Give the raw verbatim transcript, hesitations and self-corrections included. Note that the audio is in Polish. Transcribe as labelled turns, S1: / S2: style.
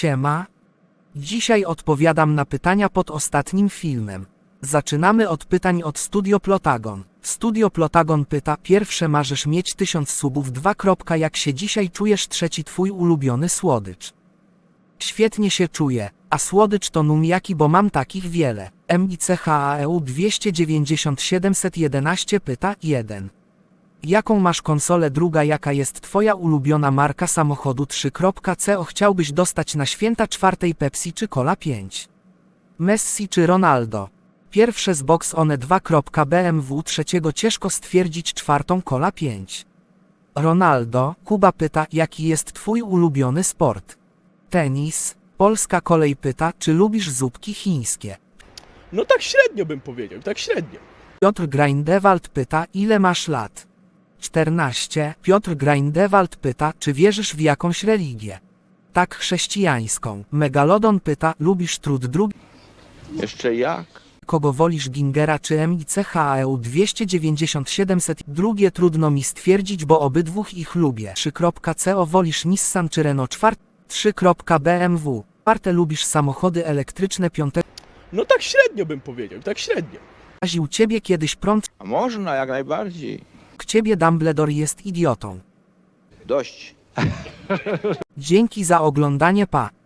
S1: Siema. Dzisiaj odpowiadam na pytania pod ostatnim filmem. Zaczynamy od pytań od Studio Plotagon. Studio Plotagon pyta: pierwsze, marzysz mieć tysiąc subów, dwa. Jak się dzisiaj czujesz? Trzeci, twój ulubiony słodycz. Świetnie się czuję, a słodycz to numiaki, bo mam takich wiele. Michaeu dwieście dziewięćdziesiąt siedemset jedenaście pyta: jeden. Jaką masz konsolę? Druga, jaka jest twoja ulubiona marka samochodu? trzy. Co chciałbyś dostać na święta? czwartej, Pepsi czy Cola? pięć. Messi czy Ronaldo? Pierwsze, z Box One. dwa. B M W. Trzeciego, ciężko stwierdzić. Czwartą, Cola. pięć. Ronaldo. Kuba pyta: jaki jest twój ulubiony sport? Tenis. Polska Kolej pyta: czy lubisz zupki chińskie?
S2: No tak średnio bym powiedział, tak średnio.
S1: Piotr Greindewald pyta: ile masz lat? czternaście. Piotr Greindewald pyta: czy wierzysz w jakąś religię? Tak, chrześcijańską. Megalodon pyta: lubisz trud? Drugi.
S3: Jeszcze jak?
S1: Kogo wolisz, Gingera czy Michaeu dwieście dziewięćdziesiąt siedemset? Drugie, trudno mi stwierdzić, bo obydwóch ich lubię. trzy. Co wolisz, Nissan czy Renault? cztery. trzy. B M W. Czwarte, lubisz samochody elektryczne? Piąte.
S2: No tak średnio bym powiedział, tak średnio.
S1: Raził ciebie kiedyś prąd?
S3: A można, jak najbardziej.
S1: K ciebie Dumbledore jest idiotą.
S3: Dość.
S1: Dzięki za oglądanie, pa.